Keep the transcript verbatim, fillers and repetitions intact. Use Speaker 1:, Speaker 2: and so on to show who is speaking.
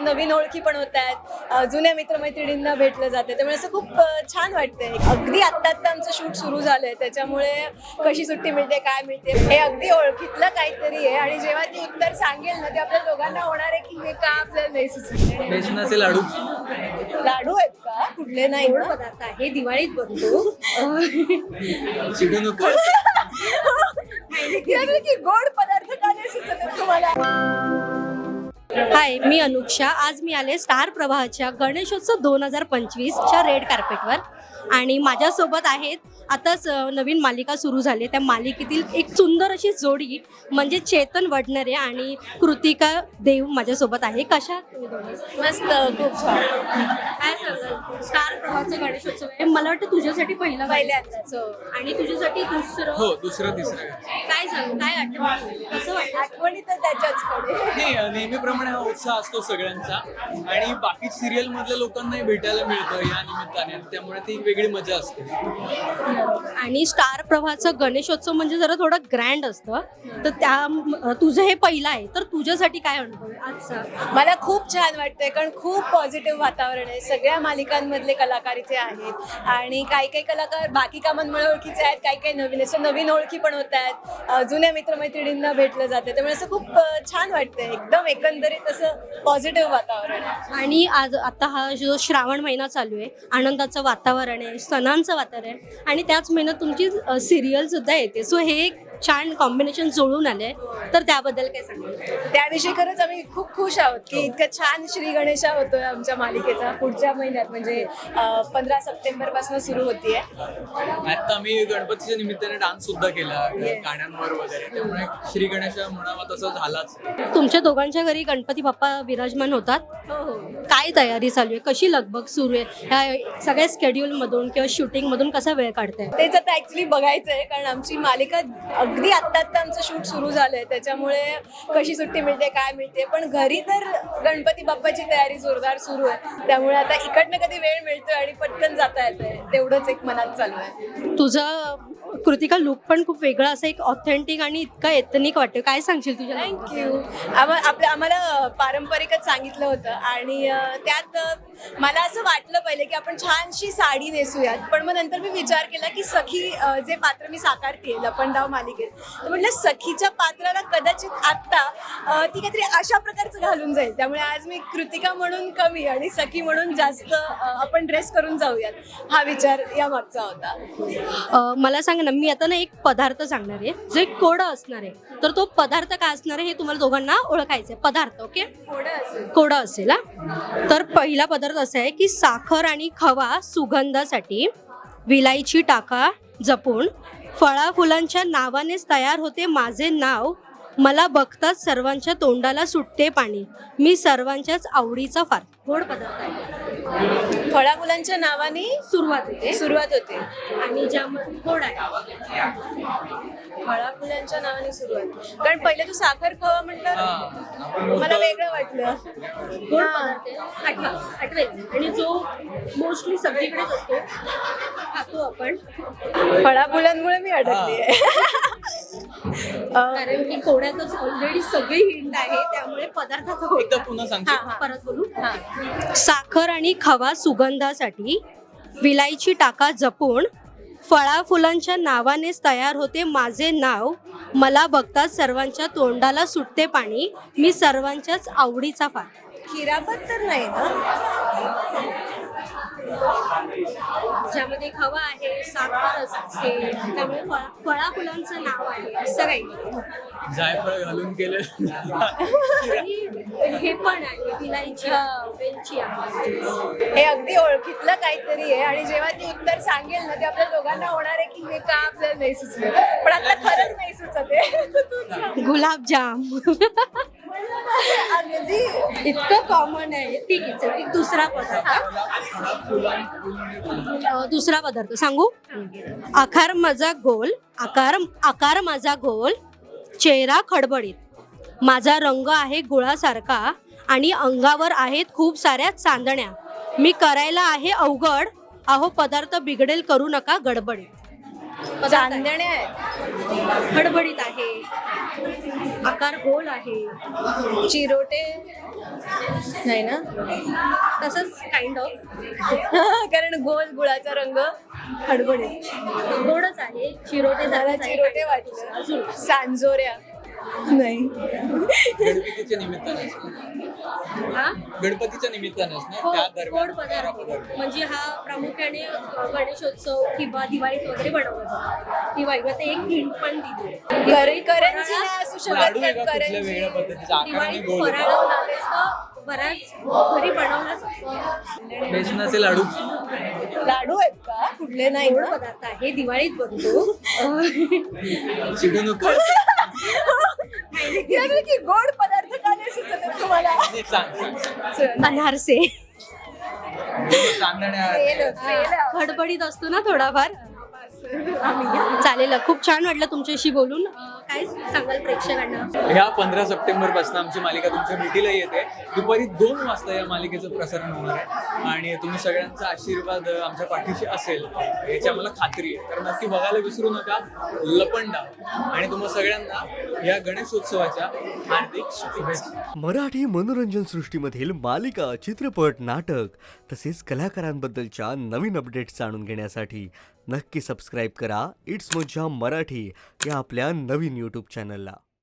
Speaker 1: नवीन ओळखी पण होत आहेत, जुन्या मित्रमैत्रिणींना भेटलं जाते, त्यामुळे असं खूप छान वाटतंय. अगदी आत्ता आत्ता आमचं शूट सुरू झालंय, त्याच्यामुळे कशी सुट्टी मिळते काय मिळते हे अगदी ओळखीतलं काहीतरी आहे. आणि जेव्हा ती उत्तर सांगेल ना ते आपल्या दोघांना होणार आहे की हे का आपल्याला नाही सुचलं.
Speaker 2: बेसनाचे लाडू
Speaker 1: लाडू आहेत का? कुठले नाही
Speaker 3: गोड पदार्थ आहे, दिवाळीत बनतो.
Speaker 2: चिडू नको.
Speaker 1: की गोड पदार्थ का नाही सुचत तुम्हाला?
Speaker 3: हाय, मी अनुक्षा. आज मी आले स्टार प्रवाहाच्या गणेशोत्सव दोन हजार पंचवीसच्या रेड कार्पेटवर आणि माझ्यासोबत आहेत आताच नवीन मालिका सुरू झाली त्या मालिकेतील एक सुंदर अशी जोडी म्हणजे चेतन वडनेरे आणि कृतिका देव माझ्यासोबत आहे. कशा तुम्ही दोघी?
Speaker 1: मस्त, खूप छान.
Speaker 3: काय सांगाल? स्टार प्रवाहाचा गणेशोत्सव आहे, मला वाटतं तुझ्यासाठी पहिला
Speaker 1: पहिल्यांदाच हो.
Speaker 3: आणि तुझ्यासाठी दुसरं.
Speaker 2: हो, दुसरं तिसरं
Speaker 3: काय सांग, काय आठवण, कसं वाटतं?
Speaker 1: आठवणी तर त्याच्याचकडे.
Speaker 2: नाही, नेहमीप्रमाणे हा उत्साह असतो सगळ्यांचा आणि बाकी सिरियल मधल्या लोकांनाही भेटायला मिळतं या निमित्ताने, त्यामुळे ती एक वेगळी मजा असते.
Speaker 3: आणि स्टार प्रवाहाचं गणेशोत्सव म्हणजे जरा थोडं ग्रँड असतं, तर त्या तुझं हे पहिलं आहे, तर तुझ्यासाठी काय अनुभव आहे आजचा?
Speaker 1: मला खूप छान वाटतंय कारण खूप पॉझिटिव्ह वातावरण आहे. सगळ्या मालिकांमधले कलाकार इथे आहेत आणि काही काही कलाकार बाकी कामांमुळे ओळखीचे आहेत, काही काही नवीन असं नवीन ओळखी पण होत आहेत, जुन्या मित्रमैत्रिणींना भेटलं जाते, त्यामुळे असं खूप छान वाटतंय. एकदम एकंदरीत असं पॉझिटिव्ह वातावरण आहे.
Speaker 3: आणि आज आता हा जो श्रावण महिना चालू आहे, आनंदाचं वातावरण आहे, सणांचं वातावरण आहे आणि त्याच महिन्यात तुमची सिरियल सुद्धा येते. सो हे एक छान कॉम्बिनेशन जुळून आलंय, तर त्याबद्दल काय सांगाल?
Speaker 1: त्याविषयी खरंच आम्ही खूप खुश आहोत की इतकं छान श्री गणेशा होतोय आमच्या मालिकेचा. पुढच्या महिन्यात म्हणजे पंधरा सप्टेंबर पासून सुरू होतीये.
Speaker 2: आता आम्ही गणपतीच्या निमित्ताने डान्स सुद्धा केला गाण्यांवर वगैरे, त्यामुळे श्री गणेश म्हणावा तसं झालाच.
Speaker 3: तुमच्या दोघांच्या घरी गणपती बाप्पा विराजमान होतात.
Speaker 1: हो हो.
Speaker 3: काय तयारी चालू आहे, कशी लगबग सुरू आहे ह्या सगळ्या स्केड्यूल मधून किंवा शूटिंग मधून कसा वेळ काढताय?
Speaker 1: तेच आता ऍक्च्युली बघायचं आहे कारण आमची मालिका अगदी आत्ता आत्ता आमचं शूट सुरू झालंय, त्याच्यामुळे कशी सुट्टी मिळते काय मिळते, पण घरी तर गणपती बाप्पाची तयारी जोरदार सुरू आहे. त्यामुळे आता इकडनं कधी वेळ मिळतोय आणि पटकन जाता येतंय, तेवढंच एक मनात चालू आहे.
Speaker 3: तुझं कृतिका लुक पण खूप वेगळा असं एक ऑथेंटिक आणि इतका एथनिक वाटतं, काय सांगशील तुझ्या?
Speaker 1: थँक्यू. आम्हा आपल्या आम्हाला पारंपरिकच सांगितलं होतं आणि त्यात मला असं वाटलं पहिले की आपण छानशी साडी नेसूयात, पण मग नंतर मी विचार केला की सखी जे पात्र मी साकारते लपंडाव मालिकेत, तर म्हटलं सखीच्या पात्राला कदाचित आत्ता ती काहीतरी अशा प्रकारचं घालून जाईल, त्यामुळे आज मी कृतिका म्हणून कमी आणि सखी म्हणून जास्त आपण ड्रेस करून जाऊयात, हा विचार या मागचा होता.
Speaker 3: मला सांग ना, मी आता ना एक पदार्थ सांगणार आहे जो एक कोडं असणार आहे, तर तो पदार्थ काय असणार आहे हे तुम्हाला दोघांना ओळखायचं आहे. पदार्थ ओके,
Speaker 1: थोडं असेल
Speaker 3: कोडं असेल हा. तर पहिला पदार्थ असा आहे की साखर आणि खवा सुगंधासाठी, विलायची टाका जपून, फळा फुलांच्या नावानेच तयार होते माझे नाव, मला बघताच सर्वांच्या तोंडाला सुटते पाणी, मी सर्वांच्याच आवडीचा फार. गोड पदार्थ आहे,
Speaker 1: फळा मुलांच्या नावाने
Speaker 3: सुरुवात होते
Speaker 1: सुरुवात होते
Speaker 3: आणि ज्यामध्ये गोड आहे.
Speaker 1: फळा फुलांच्या नावाने सुरुवात, कारण पहिले तू साखर खवा म्हटलं मला वेगळं वाटलं.
Speaker 3: गोड पदार्थ आहे, आठवा आठवेल आणि जो मोस्टली सगळीकडेच असतो, खातो आपण,
Speaker 1: फळा फुलांमुळे मी अडकली आहे.
Speaker 3: कारण की कोड्यातच ऑलरेडी सगळी हिंट आहे, त्यामुळे पदार्थाचा
Speaker 2: एकदा पुन्हा सांगतो.
Speaker 3: परत बोलू. साखर आणि खवा सुगंधासाठी, विलायची टाका जपून, फळा फुलांच्या नावानेच तयार होते माझे नाव, मला बघताच सर्वांच्या तोंडाला सुटते पाणी, मी सर्वांच्याच आवडीचा फार.
Speaker 1: खिरापत तर नाही ना?
Speaker 3: ज्यामध्ये खवा आहे, साखर असते, त्यामुळे फळा फळा फुलांचं नाव आहे असं काही.
Speaker 2: जायफळ घालून केलं.
Speaker 3: आणि हे पण आहे, विलायची वेलची आहे.
Speaker 1: हे अगदी ओळखीतलं काहीतरी आहे आणि जेव्हा ती उत्तर सांगेल ना ते आपल्या दोघांना होणार आहे की हे का आपल्याला नाही सुचलं, पण आता खरंच नाही सुचत आहे.
Speaker 3: गुलाबजाम.
Speaker 1: अगदी
Speaker 3: इतकं कॉमन आहे. ठीक आहे, चल एक दुसरा पदार्थ. दुसरा पदार्थ सांगू. आकार माझा गोल, आकार आकार माझा गोल, चेहरा खडबडीत, माझा रंग आहे गुळासारखा आणि अंगावर आहेत खूप साऱ्या चांदण्या, मी करायला आहे अवघड, अहो पदार्थ बिघडेल करू नका गडबडीत. आहे.
Speaker 1: चांदण्या आहेत,
Speaker 3: खडबडीत आहे, आकार गोल आहे,
Speaker 1: चिरोटे नाही ना
Speaker 3: तसंच काइंड ऑफ
Speaker 1: कारण गोल गुळाचा रंग खडबडीत.
Speaker 3: गोडच आहे, चिरोटे
Speaker 1: मला
Speaker 3: झालेच आहे.
Speaker 1: चिरोटे वाटले, सांजोऱ्या नाही.
Speaker 2: गणपतीच्या निमित्ताने
Speaker 3: हा?
Speaker 2: गणपतीच्या निमित्तानेच ना
Speaker 3: हो,
Speaker 2: त्या
Speaker 3: गोड
Speaker 2: दरम्यान
Speaker 3: पदार्थ म्हणजे हा प्रामुख्याने अ, गणेशोत्सव किंवा दिवाळीत वगैरे बनवला जातो. दिवाळी आता एक हिंट पण दिली.
Speaker 1: कर- करंजी नाही असू शकत
Speaker 2: लाडू
Speaker 1: कारण
Speaker 2: वेगळा कुठल्या
Speaker 1: करंजी
Speaker 2: वेगळ्या पद्धतीच्या आकाराने
Speaker 3: दिवाळीत
Speaker 2: गोल
Speaker 3: फराळ नावेचं बऱ्याच घरी बनवला जातो.
Speaker 2: बेसनाचे लाडू
Speaker 1: लाडू आहेत का कुठले नाही
Speaker 3: गोड
Speaker 1: ना?
Speaker 3: पदार्थ आहे, दिवाळीत बनतो.
Speaker 2: चिडू नको
Speaker 1: यावे की गोड पदार्थ का नाही सुचत आहेत तुम्हाला?
Speaker 2: नाही, सांग सांग, सांग.
Speaker 1: चल.
Speaker 3: अनारसे
Speaker 2: चांदण्या
Speaker 1: फेल, फेल.
Speaker 3: खडबडीत असतो ना थोडाफार. चालेल, खूप छान वाटलं तुमच्याशी बोलून. अं, काय सांगाल प्रेक्षकांना?
Speaker 2: ह्या पंधरा सप्टेंबर पासून आमची मालिका तुमच्या भेटीला येते. दुपारी दोन वाजता या मालिकेचं प्रसारण होणार आहे आणि तुम्ही सगळ्यांचा आशीर्वाद अ, आमच्या पाठीशी असेल याची आम्हाला खात्री आहे. तर नक्की बघायला विसरू नका लपंडा. आणि तुम्हा सगळ्यांना या गणेशोत्सवाच्या हार्दिक शुभेच्छा.
Speaker 4: मराठी मनोरंजन सृष्टीमधील मालिका, चित्रपट, नाटक तसेच कलाकारांबद्दलच्या नवीन अपडेट्स जाणून घेण्यासाठी नक्की सबस्क्राईब करा इट्स मज्जा मराठी या आपल्या नवीन यूट्यूब चॅनलला.